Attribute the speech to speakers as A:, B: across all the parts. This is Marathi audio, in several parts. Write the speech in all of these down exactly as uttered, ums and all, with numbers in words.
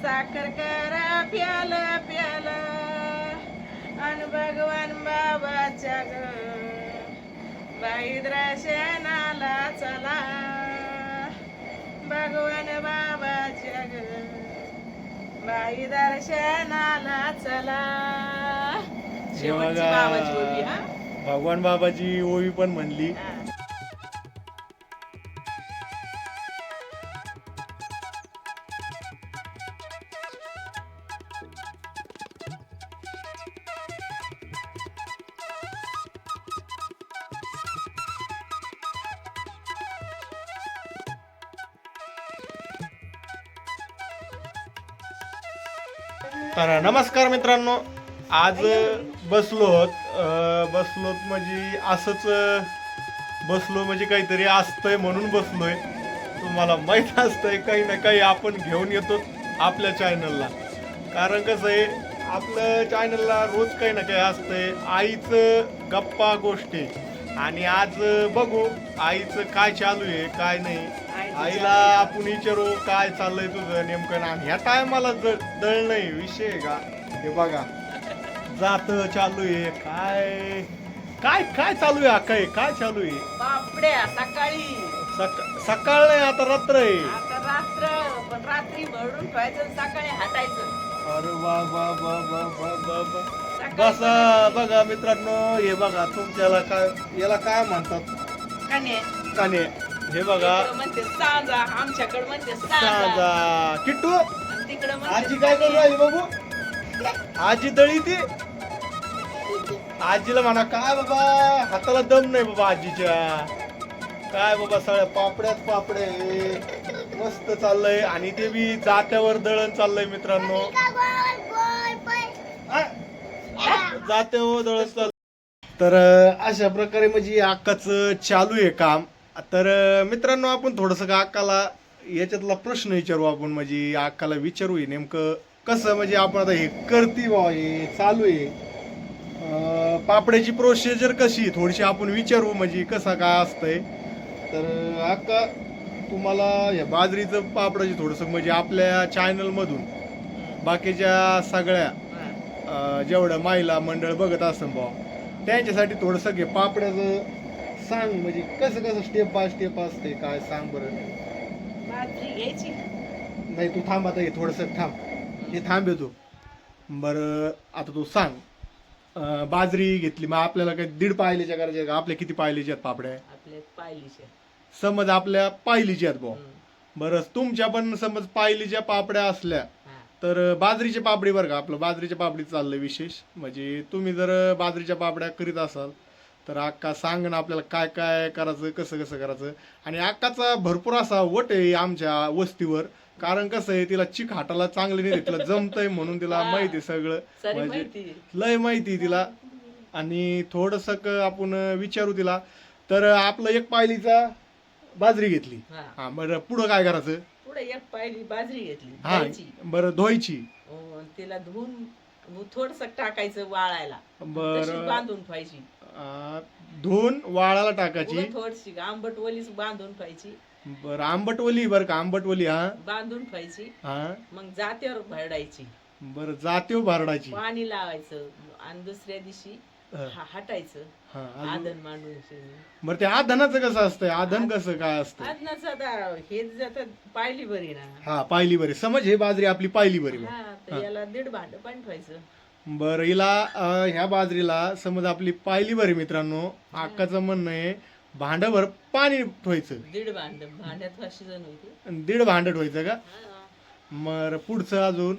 A: साखर करा प्याल प्याल अन भगवान बाबाच्या ग बाई दर्शनाला चला भगवान बाबाच्या ग बाई दर्शनाला चला. शेवटची बाबाची ओवी. हा
B: भगवान बाबाची ओवी पण म्हणली.
A: हा.
B: तर नमस्कार मित्रांनो, आज बसलोत अं, बसलोत म्हणजे असंच अं, बसलो म्हणजे काहीतरी असतंय म्हणून बसलोय. तुम्हाला माहीत असतंय काही ना काही आपण घेऊन येतो आपल्या चॅनलला. कारण कसं आहे, आपलं चॅनलला रोज काही ना काही असतंय आईचं गप्पा गोष्टी. आणि आज बघू आईचं काय चालू आहे काय नाही. आईला आपण विचारू काय चाललंय तुझं नेमकं. ना ह्या टायमाला दळ नाही विषय आहे का. हे बघा जात चालू आहे काय काय काय चालू आहे. काय काय चालू आहे.
A: बापड्या सकाळी
B: सक- सकाळ नाही आता रात्र आहे.
A: आता रात्र पण रात्री भरून ठेवायचं सकाळी हटायचं.
B: अरे वा वा वा वा वा वा वा.
A: सकाळी
B: बसा बघा मित्रांनो, हे बघा तुमच्याला काय याला काय म्हणतात
A: कन्या.
B: काने. हे बघा
A: इकडं म्हणते सांजा, आमच्याकडे म्हणते सांजा,
B: सांगा किट्टू.
A: आणि तिकडं म्हणते
B: आजी काय करू राहिली बाबू. आजी दळी ती. आजीला म्हणा काय बाबा हाताला दम नाही बाबा आजीच्या. काय बाबा सगळ्या पापड्यात पापडे मस्त चाललंय. आणि ते बी जात्यावर दळण चाललंय मित्रांनो. आ? जात्यावर दळण चाललंय. तर अं, अशा प्रकारे म्हणजे अक्काच चालू आहे काम. तर अं, मित्रांनो आपण थोडस का अक्काला याच्यातला प्रश्न विचारू. आपण म्हणजे अक्काला विचारू हे नेमकं कसं म्हणजे आपण आता हे करती बा हे चालू आहे अं, पापड्याची प्रोसिजर कशी थोडीशी आपण विचारू म्हणजे कसं काय असतंय. तर अक्का तुम्हाला या बाजरीचं पापडाची थोडंसं म्हणजे आपल्या चॅनलमधून बाकीच्या सगळ्या अं, जेवढं महिला मंडळ बघत असतं बा त्यांच्यासाठी थोडंसं घे पापड्याचं सांग म्हणजे कसं कसं स्टेप बाय स्टेप असते काय सांग बरं.
A: बाजरी घ्यायची.
B: नाही तू थांब आता हे थोडंसं थांब हे थांब येतो बरं. आता तू सांग अं, बाजरी घेतली मग आपल्याला काही दीड पायलीच्या करायच्या का आपल्या किती पायलीच्या आहेत पापड्या.
A: आपल्या पायलीच्या.
B: समज आपल्या पायलीच्या आहेत भाऊ. बरं तुमच्या पण समज पायलीच्या पापड्या असल्या तर बाजरीच्या पापडी बरं का आपलं बाजरीच्या पापडी चाललंय विशेष. म्हणजे तुम्ही जर बाजरीच्या पापड्या करीत असाल तर अक्का सांग ना आपल्याला काय काय करायचं कसं कसं करायचं. आणि अक्काचा भरपूर असा वट आहे आमच्या वस्तीवर. कारण कसं आहे तिला चिक हाताला चांगलं नाही तिला जमतंय म्हणून तिला माहिती सगळं म्हणजे लय माहिती तिला. आणि थोडस आपण विचारू तिला. तर आपलं एक पायलीचा बाजरी घेतली. हा बरं पुढं काय करायचं.
A: पुढे एक पायली बाजरी घेतली.
B: हा
A: धुवायची.
B: बरं धुवायची.
A: अं, तिला धुवून थोडस टाकायचं वाळायला.
B: बरं.
A: तशीच बांधून ठेवायची.
B: अं, धुवून वाळाला टाकायची.
A: उगाच थोडीशी आंबट वलीच बांधून ठेवायची.
B: बरं आंबटवली बरं का आंबटवली. हा
A: बांधून ठेवायची.
B: हा
A: मग जात्यावर भरडायची.
B: बरं जातीव भरडायची.
A: पाणी लावायचं आणि दुसऱ्या दिवशी हा- हटायचं.
B: हा अजून?
A: आधन मांडून.
B: बरं ते आधनाचं कसं असतंय आधन कसं काय असतं.
A: आधनाचं आता हे जातात पायली बरी ना.
B: हा पायली बरी समज हे बाजरी आपली पायली बरी बा.
A: हा तर याला दीड भांड पण ठेवायचं.
B: बरं हिला अं, ह्या बाजरीला समज आपली पायली बरी मित्रांनो अक्काचं म्हणणं आहे भांडभर पाणी ठेवायचं.
A: दीड भांड भांड्यात अशी जण होती.
B: आणि दीड भांड ठेवायचं का.
A: हा.
B: मग पुढचं अजून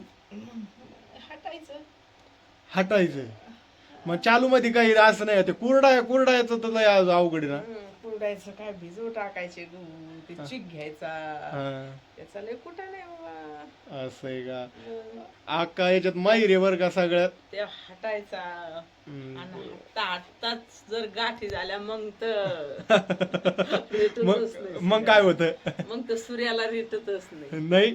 A: हटायचं.
B: हटायचं. मग चालू मध्ये काही असं नाही ते कुरडा कुरडायचं तर लय अवघड आहे ना.
A: हं, कुरडायचं काय भिजू टाकायचे गहू ते चिक घ्यायचा.
B: हा,
A: त्याचा लय कुठा नाही बाबा.
B: असं आहे का.
A: हं,
B: अक्का याच्यात माहिर आहे बरं का सगळ्यात.
A: ते हटायचा.
B: हम्म.
A: आणि हटता हटताच जर गाठी झाल्या मग तर
B: मग
A: रेटतच नाही.
B: मग काय होतं
A: मग तर सूर्याला रेटतच नाही.
B: नाही.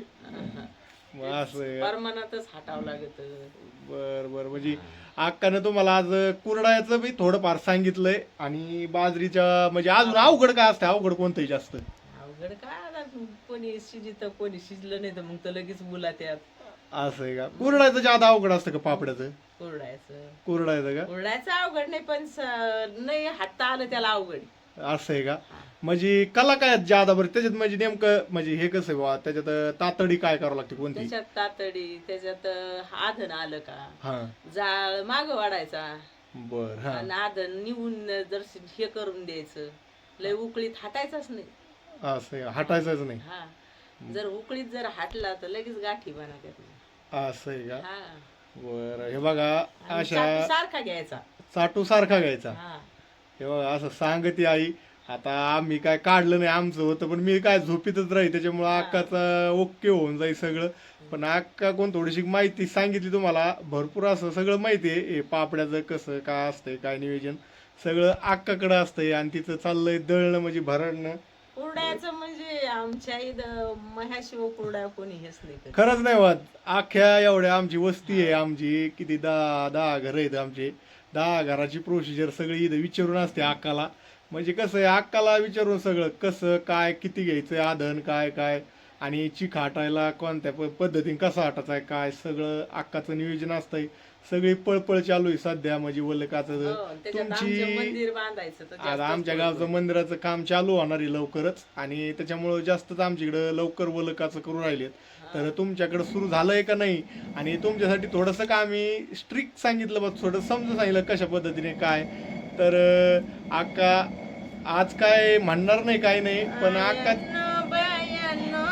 B: मग असं आहे का?
A: परमानातच हटावं लागत.
B: बर बर म्हणजे अक्कानं तुम्हाला आज कुरडायचं बी थोडंफार सांगितलंय. आणि बाजरीच्या म्हणजे अजून अवघड काय असतं अवघड कोणतंही जास्त.
A: अवघड काय आता कोणी शिजित कोणी शिजलं नाही तर मग तर लगेच मुला त्यात.
B: असं आहे का? कुरडायचं ज्यादा अवघड असतं का पापड्याचं?
A: कुरडायचं
B: कुरडायचं का?
A: कुरडायचं अवघड नाही, पण स- नाही हाता आलं त्याला अवघड.
B: असं आहे का? म्हणजे कला काय आहेत ज्यादा बरं त्याच्यात, म्हणजे नेमकं म्हणजे हे कसं आहे बा त्याच्यात तातडी काय करावं लागते कोणती?
A: त्याच्यात तातडी, त्याच्यात आधन आलं का,
B: हा
A: जाळ माग वाढायचा
B: बर हा
A: आणि आधन निवून जर हे करून द्यायचं, लय उकळीत हाटायचाच नाही.
B: असं आहे का? हटायचंच नाही.
A: हा, जर उकळीत जर हाटला तर लगेच गाठी बनवतात.
B: असं आहे का?
A: हा,
B: बरं हे बघा
A: आणि
B: अशा
A: चाटू सारखा घ्यायचा.
B: चाटू सारखा घ्यायचा.
A: हा,
B: हे बघा असं सांगते आई. आता आम्ही काय काढलं नाही आमचं होतं, पण मी काय झोपीतच राही त्याच्यामुळं अक्काचा ओके होऊन जाईल सगळं. पण अक्का कोण थोडीशी माहिती सांगितली तुम्हाला, भरपूर असं सगळं माहिती आहे. हे पापड्याचं कसं काय असतंय काय नियोजन सगळं अक्काकडं असतंय, आणि तिचं चाललंय दळणं म्हणजे भरणं.
A: कुरड्याचं म्हणजे आमच्या इथं मह्याशिव कुरड्या कोणी हेच नाही करत.
B: खरंच नाही वाद, अख्ख्या एवढ्या आमची वस्ती आहे, आमची किती दहा दहा घर आहेत आमचे. दहा घराची प्रोसिजर सगळी इथं विचारून असते अक्काला. म्हणजे कसं आहे अक्काला विचारून सगळं कसं काय किती घ्यायचं आधन काय काय, आणि चिक हाटायला कोणत्या प पद्धतीने कसा हाटायचा आहे काय सगळं अक्काचं नियोजन असतंय. सगळी पळपळ चालू आहे सध्या म्हणजे वल्लकाचं.
A: हो, त्याच्यात आमचं मंदिर बांधायचं तर
B: आता
A: जास्तच
B: आमच्या
A: पळपळ.
B: गावचं मंदिराचं काम चालू होणार आहे लवकरच, आणि त्याच्यामुळं जास्तच आमच्याकडं लवकर वलकाचं करू राहिलेत. तर तुमच्याकडे सुरू झालंय का नाही, आणि तुमच्यासाठी थोडंसं का आम्ही स्ट्रिक्ट सांगितलं बघ, थोडं समजून सांगितलं कशा पद्धतीने काय. तर अं, अक्का आज काय म्हणणार नाही काय नाही, पण अक्का
A: आयन बायनो,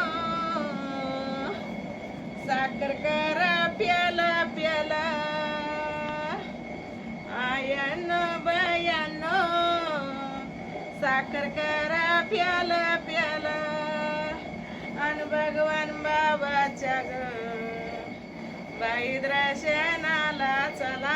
A: साखर करा प्याला प्याला. आयन बायनो, साखर करा प्याला प्याला. अन भगवान बाबाच्या ग बाई दर्शनाला चला.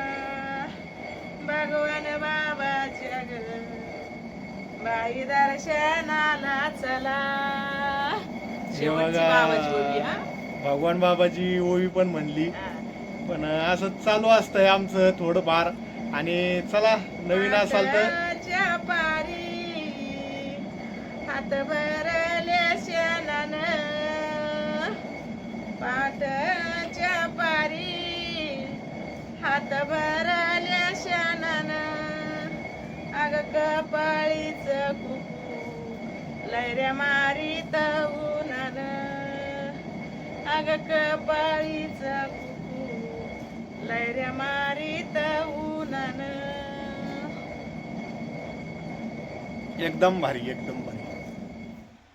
A: भगवान बाबाच्या ग बाई दर्शनाला चला. शेवटची बाबाची ओवी. हा,
B: भगवान बाबाची ओवी पण म्हणली.
A: हा.
B: पण असं चालू असतंय आमचं थोडंफार. आणि चला नवीन असाल तर
A: पाटाच्या पारी हात भरले शेणानं. पाटाच्या पारी हात भरले शेणानं. अग कपाळीच कुकू लैऱ्या मारीत उन्हानं. अग कपाळीच कुकू लैऱ्या मारीत उन्हानं.
B: एकदम भारी एकदम भारी.